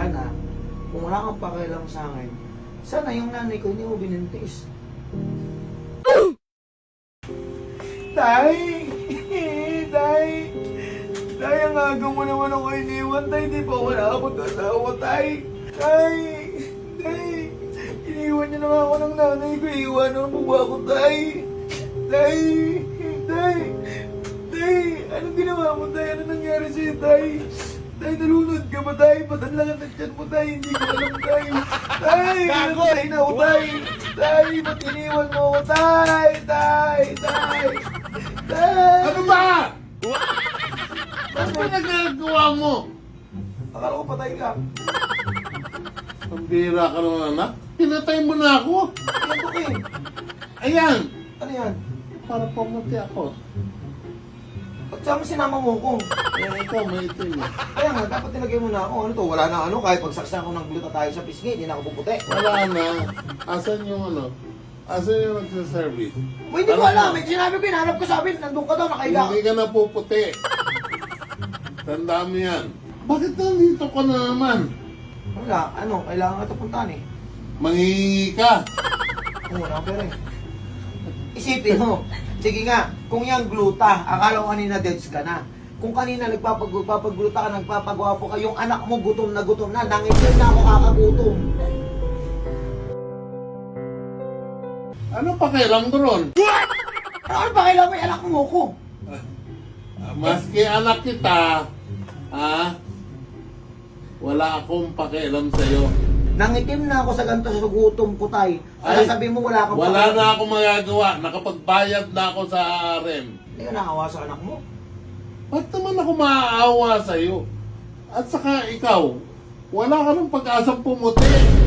Sana, kung wala kang pakialam sa akin, sana yung nanay ko hindi mo binintis. Tay! Tay! Tay, ang aga mo naman ako iniwan, Tay. Di pa wala ako asawa, Tay. Tay! Tay! Iniwan niyo naman ako ng nanay ko. Iiwanan mo ba ako, Tay? Tay! Tay! Tay! Anong ginawa mo, Tay? Ano nangyari sa'yo, Tay? Tay, nalunod ka ba, Tay? Patanlangan ng tiyan mo, Tay. Hindi ko alam, Tay. Tay! Tay na ako, Tay. Tay, ba't iniwan mo ako, Tay? Tay! Tay! Tay! Ano ba? Ano ba nagagawa mo? Akala ko patay ka. Ang bira ka naman, anak. Pinatay mo na ako. Yan to, King. Ayan. Ano yan? Para pumunti ako. Ba't saan mo sinama mo ko? Eh, ikaw, may itim eh. Kaya nga, dapat nilagay mo na ako. Ano to? Wala na ano. Kahit pagsaksan ko ng gluta tayo sa pisngi, hindi na ako puputi. Wala na. Asan yung ano? Asan yung nagsaservice? Uy, hindi ko alam. May sinabi ko, hinahanap ko sabi. Nandun ka daw, nakahiga. Hindi ka na puputi. Tandaan mo yan. Bakit nandito ka na naman? Wala, ano, kailangan ka ito puntahan eh. Manghihingi ka. Oo, wala pera eh. Isipin mo, sige nga, kung yung gluta, akala ko kanina deads ka na. Kung kanina nagpapagluta ka, nagpapagwapo ka, yung anak mo gutom na, nangipin na ako kakagutom. Ano pakialam doon? Ano ba kailangan may anak mo ko? Maski anak kita, wala akong pakialam sa'yo. Nangitim na ako sa ganito sa gutom ko, Tay. Ay, Kaya sabi mo wala kang Wala na akong magagawa. Nakapagbayad na ako sa RM. Hindi ka nakawa sa anak mo. Ba't naman ako maaawa sa'yo? At saka ikaw, wala ka ng pag-asang pumuti.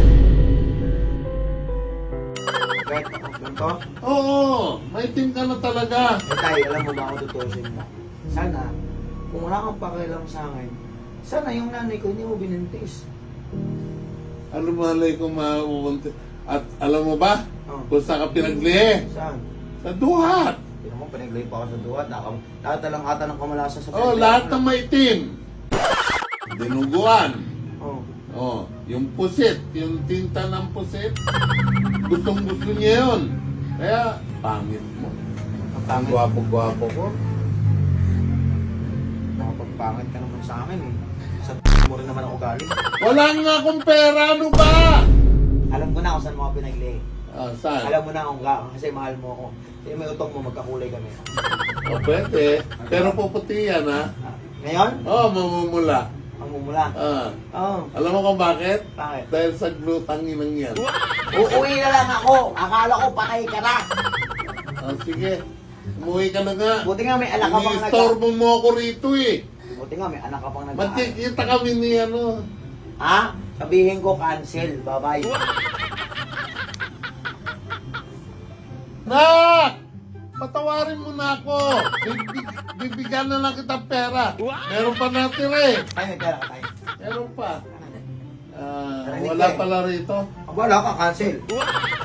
Kahit ako ganito. Oo, maitim ka na talaga. Eh, Tay, alam mo ba ako tutusin mo? Sana, kung wala kang pakialam sa akin, sana yung nanay ko hindi mo binintis. Ano malay ko mauunti? At alam mo ba, Oh. kung saan ka pinaglihi? Saan? Sa duhat. Hindi mo, pinaglay pa ako sa duwat. Lahat na lang ata ng kamalasa sa Oh, lahat ng maitim. Dinuguan. Oh. Oh, yung pusit, yung tinta ng pusit. Gustong gusto niya yun. Kaya, pangit mo. Ang Ang pangit. gwapo-gwapo ko. Nakapagpangit ka naman sa akin eh. Sa mo rin naman ako galing. Wala nga akong pera, ano ba? Alam ko na kung saan mo ako pinaglay. Ah, saan? Alam mo na kung kasi mahal mo ako. Kasi may utong mo, magkakulay kami. O, pwede. Pero puputi yan, ha? Ngayon, Oh, mamumula. ang mumula. Ah. Oo. Alam mo kung bakit? Bakit? Dahil sa glutang inang yan. Uuwi na lang ako. Akala ko patay ka na. Ah, sige. Umuwi ka na nga. Buti nga may anak ka pang Ini-storbo mo ako rito eh. Buti nga may anak ka pang nag Magkikita kami ni ano. Ha? Sabihin ko cancel. Bye-bye. Nak! Patawarin mo na ako. Bibigyan na lang kita pera. Meron pa natira eh. Ay, may pera ka tayo. Meron pa. Narinig Wala ka eh. pala rito. Wala ka, cancel.